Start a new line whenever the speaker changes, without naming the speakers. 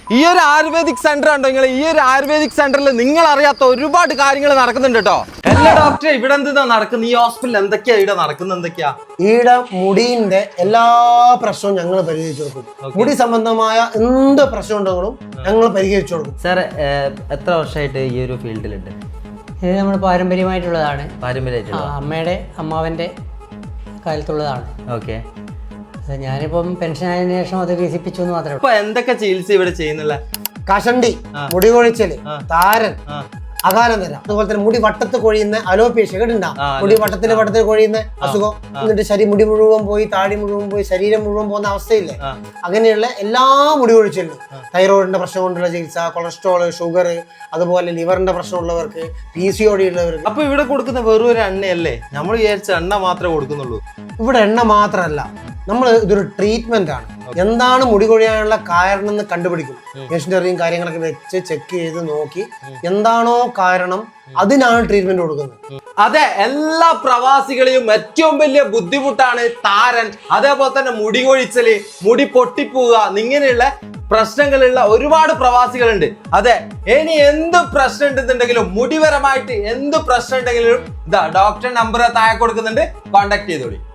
ഈ ഒരു ayurvedic centre ഉണ്ടോ നിങ്ങൾ? ഈ ഒരു ആയുർവേദിക് സെന്ററിൽ നിങ്ങൾ അറിയാത്ത ഒരുപാട് കാര്യങ്ങൾ നടക്കുന്നുണ്ട് കേട്ടോ. എല്ലാ ഡോക്ടറെ ഇവിടെ എന്താ നടക്കുന്നത്? ഈ ഹോസ്പിറ്റലിൽ എന്തൊക്കെയാ ഇവിടെ നടക്കുന്നത്? എന്തൊക്കെയാ
ഈടെ മുടിന്റെ എല്ലാ പ്രശ്നവും ഞങ്ങൾ പരിഹരിച്ചു കൊടുക്കും. മുടി സംബന്ധമായ എന്ത് പ്രശ്നം ഉണ്ടെങ്കിലും ഞങ്ങൾ പരിഹരിച്ചു കൊടുക്കും.
സാർ എത്ര വർഷമായിട്ട് ഈ ഒരു ഫീൽഡിലുണ്ട്?
ഇത് നമ്മൾ പാരമ്പര്യമായിട്ടുള്ളതാണ്.
പാരമ്പര്യമായിട്ടുള്ള
അമ്മയുടെ അമ്മാവൻ്റെ കാലത്തുള്ളതാണ്.
ഓക്കെ.
ഞാനിപ്പം പെൻഷൻ ആയതിനു ശേഷം അത് വികസിപ്പിച്ചു എന്ന് മാത്രമേ ഉള്ളൂ.
ഇപ്പൊ എന്തൊക്കെ ചികിത്സ ഇവിടെ ചെയ്യുന്നില്ല?
കഷണ്ടി, മുടി കൊഴിച്ചല്, താരൻ, അകാലന്തര, അതുപോലെ തന്നെ മുടി വട്ടത്ത് കൊഴിയുന്ന അലോപേഷ്യ കേട്ടിട്ടുണ്ടാവും. മുടി വട്ടത്തിൽ കൊഴിയുന്ന അസുഖം, എന്നിട്ട് മുടി മുഴുവൻ പോയി, താടി മുഴുവൻ പോയി, ശരീരം മുഴുവൻ പോകുന്ന അവസ്ഥയില്ലേ, അങ്ങനെയുള്ള എല്ലാ മുടി കൊഴിച്ചിലും തൈറോയിഡിന്റെ പ്രശ്നം കൊണ്ടുള്ള ചികിത്സ, കൊളസ്ട്രോള്, ഷുഗർ, അതുപോലെ ലിവറിന്റെ പ്രശ്നമുള്ളവർക്ക്, PCOD ഉള്ളവർക്ക്.
അപ്പൊ ഇവിടെ കൊടുക്കുന്ന വെറും ഒരു എണ്ണയല്ലേ? നമ്മൾ വിചാരിച്ച എണ്ണ മാത്രമേ കൊടുക്കുന്നുള്ളൂ.
ഇവിടെ എണ്ണ മാത്രമല്ല, നമ്മൾ ഇതൊരു ട്രീറ്റ്മെന്റ് ആണ്. എന്താണ് മുടി കൊഴിയാനുള്ള കാരണം എന്ന് കണ്ടുപിടിക്കും. മെഷീനറിയും കാര്യങ്ങളൊക്കെ വെച്ച് ചെക്ക് ചെയ്ത് നോക്കി എന്താണോ കാരണം അതിനാണ് ട്രീറ്റ്മെന്റ് കൊടുക്കുന്നത്.
അതെ, എല്ലാ പ്രവാസികളെയും ഏറ്റവും വലിയ ബുദ്ധിമുട്ടാണ് താരൻ, അതേപോലെ തന്നെ മുടി കൊഴിച്ചല്, മുടി പൊട്ടിപ്പോവുക, ഇങ്ങനെയുള്ള പ്രശ്നങ്ങളുള്ള ഒരുപാട് പ്രവാസികളുണ്ട്. അതെ, ഇനി എന്ത് പ്രശ്നം ഉണ്ടെന്നുണ്ടെങ്കിലും, മുടിപരമായിട്ട് എന്ത് പ്രശ്നം ഉണ്ടെങ്കിലും ഇതാ ഡോക്ടർ നമ്പർ താഴെ കൊടുക്കുന്നുണ്ട്, കോണ്ടാക്ട് ചെയ്തോളി.